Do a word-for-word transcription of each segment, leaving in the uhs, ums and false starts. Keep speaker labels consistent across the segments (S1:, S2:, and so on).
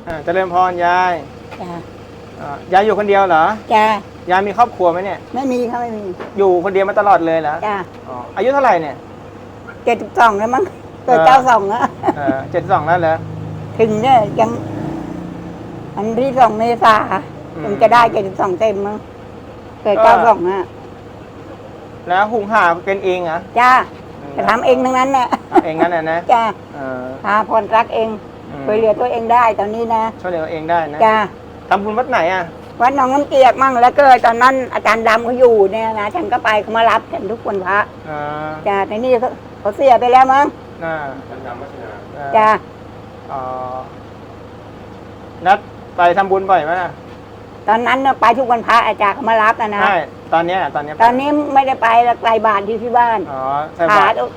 S1: อ่าเจริญพรยาย
S2: จ้า
S1: อ่ายายอยู่คนเดียวเหรอ
S2: จ้าย
S1: ายมีครอบครัวไหมเนี่ย
S2: ไม่มีค่ะไม่มี
S1: อยู่คนเดียวมาตลอดเลยเหรอ
S2: จ้า
S1: อ๋ออายุเท่าไหร่เนี่ย
S2: เจ็ดสิบสองแล้วมั้งเกิดเก้าสองอะ
S1: เออเจ็ดสองแล้วเหรอ
S2: ถึงเนี่ยยังอันที่สองเมษา
S1: อืม
S2: ถึงจะได้เจ็ดสิบสองเต็มมั้งเกิดเก้าสองอะ
S1: แล้วหุงหาเป็นเองเหรอ
S2: จ้าจะทำเองทั้งนั้นแหละ
S1: ทำเองงั้นน่ะนะ
S2: จ้า
S1: เออ
S2: หาพรรักเอง
S1: อืม
S2: ช่วยเหลือตัวเองได้ตอนนี้นะ
S1: ช่วยเหลือเองได้นะ
S2: จ้า
S1: ทำบุญวัดไหนอ่ะ
S2: วัดหนองน้ำเกียกมั่งแล้วก็ตอนนั้นอาจารย์ดำเขาอยู่เนี่ยนะฉันก็ไปเขามารับกันทุกวันพระ
S1: อ่า
S2: จ้าในนี่เขาเขาเสียไปแล้วมั้ง
S1: น่า
S2: จ้า
S1: อ๋อนัดไปทำบุญบ่อยไหมล่ะ
S2: ตอนนั้นน่ะไปทุกวันพระอาจารย์เขามารับนะนะ
S1: ใช่ตอนเนี้ยตอนเนี้ย
S2: ตอนนี้ไม่ได้ไปแล้วไกลบ้านที่ที่บ้าน
S1: อ๋อใส่
S2: ขา
S1: บาตร
S2: ตัว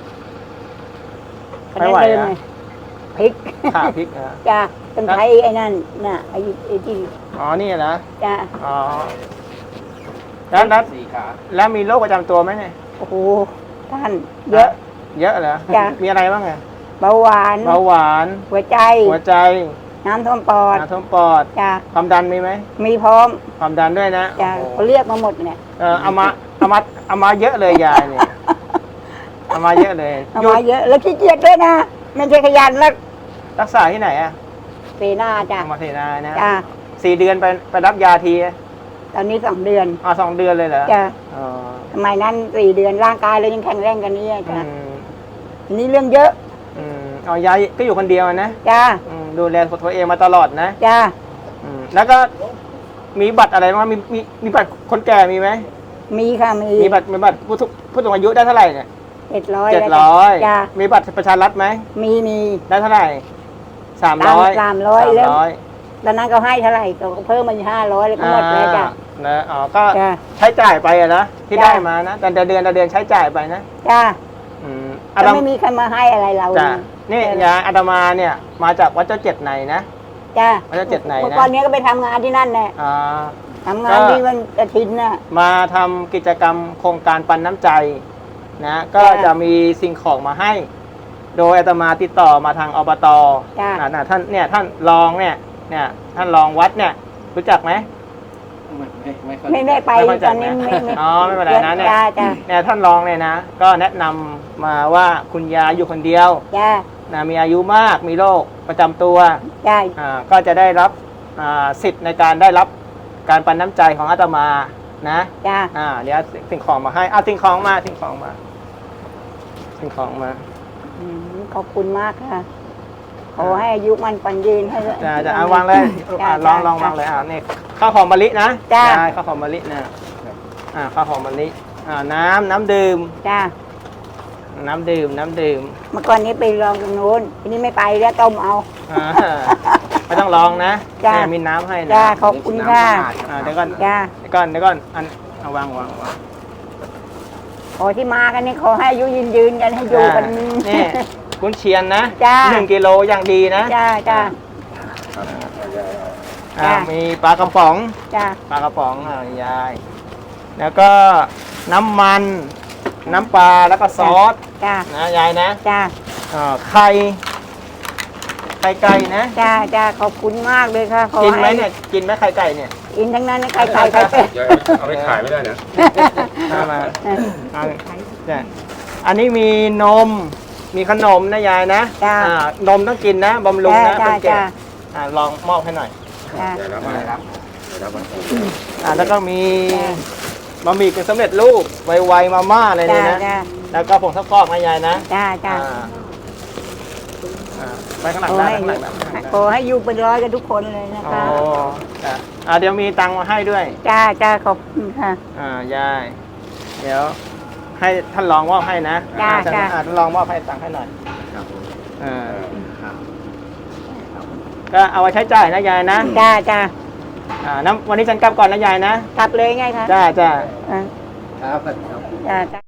S1: ไม่ไหว
S2: เดิน
S1: อะ
S2: ไงพริก
S1: ขาพริกอ่ะ
S2: จ้าต้องใช้ไอ้นั่นน่ะไอ้ไอ้ที่
S1: อ๋อนี่นะ
S2: จ้า
S1: อ๋อแล้วนัดแล้วมีโรคประจำตัวไหมเนี่ย
S2: โอ้โหท่านเยอะ
S1: เยอะเหรอ
S2: จ้ะ
S1: มีอะไรบ้างไง
S2: เบาหวาน
S1: เบาหวาน
S2: หัวใจ
S1: หัวใจ
S2: น้ำท่วมปอด
S1: น้ำท่วมปอด
S2: จ้า
S1: ความดันมีไหม
S2: มีพร้อม
S1: ความดันด้วยนะ
S2: จ้า
S1: โอ้โห
S2: เขาเรียกมาหมดเนี่ย
S1: เออเอามาเอามาเอามาเยอะเลยยายเนี่ยเอามาเยอะเลย
S2: เอา
S1: หยุ
S2: มา
S1: ด
S2: เยอะแล้วขี้เกียจด้วยนะไม่ใช่ขยันแล้ว
S1: รักษาที่ไหนอ่ะ
S2: เปหน้าจ้า
S1: เอามาเทนานะ
S2: จ้า
S1: สี่เดือนไปไปรับยาที
S2: ตอนนี้สองเดือน
S1: อ๋อสองเดือนเลยเหรอ
S2: จ้า
S1: อ๋อ
S2: สมัยนั้นสี่เดือนร่างกายเรายังแข็งแรงกันนี้
S1: อื
S2: จ้าม ทีนี้เรื่องเยอะ
S1: อืมอ๋อยายก็อยู่คนเดียวนะ
S2: จ้า
S1: อืมดูแลตัวเองมาตลอดนะ
S2: จ้า
S1: อืมแล้วก็มีบัตรอะไรบ้างมีมีมีบัตรคนแก่มีไหม
S2: มีค่ะมี
S1: มีบัตรมีบัตรผู้ทุกผู้สูงอายุได้เท่าไหร่เนี่ย
S2: เจ็ดร้อย
S1: เจ็ดร้อย
S2: จ้า
S1: มีบัตรประชารัฐไหม
S2: มีมี
S1: ได้เท่าไหร่สามร้อย
S2: สามร้อย
S1: สาม
S2: แล้ว
S1: ร้อย
S2: ตอนนั้นเขาให้เท่าไหร่ก็เพิ่มมาห้าร้อยแล้วก็หมดแล้วจ้ะ
S1: นะอ๋อก็
S2: จ้า
S1: ใช้จ่ายไปอะนะที่
S2: จ้ะ
S1: ได้มานะแต่เดือนแต่เดือนใช้จ่ายไปนะ
S2: จ้า
S1: อืม
S2: ก็
S1: อาต
S2: ไม่มีใครมาให้อะไรเรา
S1: จ้ะนี่ยาอาตมาเนี่ยมาจากวัดเจ้าเจ็ดในนะ
S2: จ้า
S1: วัดเจ้าเจ็ดในนะ
S2: เมื่อก่อนนี้ก็ไปทำงานที่นั่นแหละ
S1: อ่า
S2: ทำงาน
S1: ก็
S2: ที่วันอาทิตย์น่ะ
S1: มาทำกิจกรรมโครงการปันน้ำใจนะก็
S2: จ้ะ
S1: จะมีสิ่งของมาให้ โดยอาตมาติดต่อมาทางอบต
S2: จ้ะ
S1: อ่าน่ะท่านเนี่ยท่านรองเนี่ยเนี่ยท่านรองวัดเนี่ยรู้จักไหม
S2: ไม่ได้ไป
S1: ไม่ค่อย
S2: ต
S1: จั
S2: อ
S1: ด
S2: นนี้
S1: นะ
S2: ไม่ไม่
S1: อ๋อไม่เป็นไรนะเนี่ย
S2: จ้าจ้า
S1: เนี่ยท่านรองเนี่ยนะก็แนะนำมาว่าคุณยายอยู่คนเดียว
S2: จ้า
S1: นะมีอายุมากมีโรคประจำตัว
S2: จ้า
S1: อ่าก็จะได้รับอ่าสิทธิ์ในการได้รับการปันน้ำใจของอาตมานะ
S2: จ้า
S1: อ่าเดี๋ยวสิ่งของมาให้เอาสิ่งของมาสิ่งของมาสิ่งของมา
S2: อืมขอบคุณมากค่ะ ขอให้อายุมันปันยืนให้
S1: จะจะเอาวางเลย
S2: จ้า
S1: อ่าลองลองวางเลยอ่านี่ข้าวหอมมะลินะ
S2: จ้า
S1: ได้ข้าวหอมมะลินะอ่าข้าวหอมมะลิอ่าน้ำน้ำดื่ม
S2: จ้า
S1: น้ำดื่มน้ำดื่ม
S2: เมื่อก่อนนี้ไปลองตรงนู้นทีนี้ไม่ไปแล้วต้มเอา
S1: อ่าไม่ต้องลองนะ
S2: จ้า
S1: เนี่ยมีน้ำให้นะ
S2: จ้าขอบคุณค่ะ
S1: อ่าเดี๋ยวก่อน
S2: จ้า
S1: เดี๋ยวก่อนเดี๋ยวก่อนอันเอาวางวางวาง
S2: ขอที่มากันนี่ขอให้อายุยืนยืนกันให้อยู่กัน
S1: นี่กุนเชียนนะ
S2: จ้า
S1: หนึ่งกิโลอย่างดีนะ
S2: จ้าจ้า
S1: อ่า
S2: จ้า
S1: มีปลากระป๋อง
S2: จ้า
S1: ปลากระป๋องอ่ายาย แล้วก็น้ำมัน น้ำปลาแล้วก็ซอส
S2: จ้า
S1: นะยายนะ
S2: จ้า
S1: อ่าไข่ไข่ไก่นะ
S2: จ้าจ้าขอบคุณมากเลยค่ะขอ
S1: กินไหม
S2: ให้
S1: เนี่ยกินไหมไข่ไก่เนี่ย
S2: กินทั้งนั้นนะไข่ไก่ไข่เป็ด
S3: ยายเอาไปขายไม่ได้นะ
S1: เอามาเอาจ้ะอันนี้มีนมมีขนมนะยายนะ
S2: จ้า
S1: อ่านมต้องกินนะบำรุงนะ
S2: จ้า
S1: เป็นแก่
S2: จ้า
S1: อ่าลองมอบให้หน่อย
S2: จ้า
S3: เดี๋ยวรับมาครับเดี๋ยวรับมา
S1: อ่าแล้วก็มี
S2: จ้า
S1: บะหมี่กึ่งสำเร็จรูปไวๆมาม่าอะไรเนี่ย
S2: จ้า
S1: นะ
S2: จ้า
S1: แล้วก็ผงซักฟอกนะยายนะ
S2: จ้าจ้า
S1: อ่าอ่าไปข้างหลัง
S2: ขอ
S1: ได้
S2: ให้
S1: ข้างหลังได้ข้างหลัง
S2: ขอให้อยู่เป็นร้อยกันทุกคนเลยนะ
S1: โอ้
S2: คะ
S1: จ้ะอ่าเดี๋ยวมีตังค์มาให้ด้วย
S2: จ้าจ้าขอบคุณค่ะ
S1: อ่ายายเดี๋ยวให้ท่านรองมอบให้นะ
S2: จ้า
S1: อ่ท่าน
S2: จ้า
S1: อ่าท่านรองมอบให้ตังค์ให้หน่อย
S3: ครับผม
S1: อ่า
S3: ครับ
S1: ก็เอาไว้ใช้จ่ายนะยายนะ
S2: จ้าจ้า
S1: อ่าน้ำวันนี้ฉันกลับก่อนนะยายนะ
S2: กลับเลยไงคะ
S1: จ้าจ้า
S2: อ่า
S3: ครับ
S2: จ้าจ้า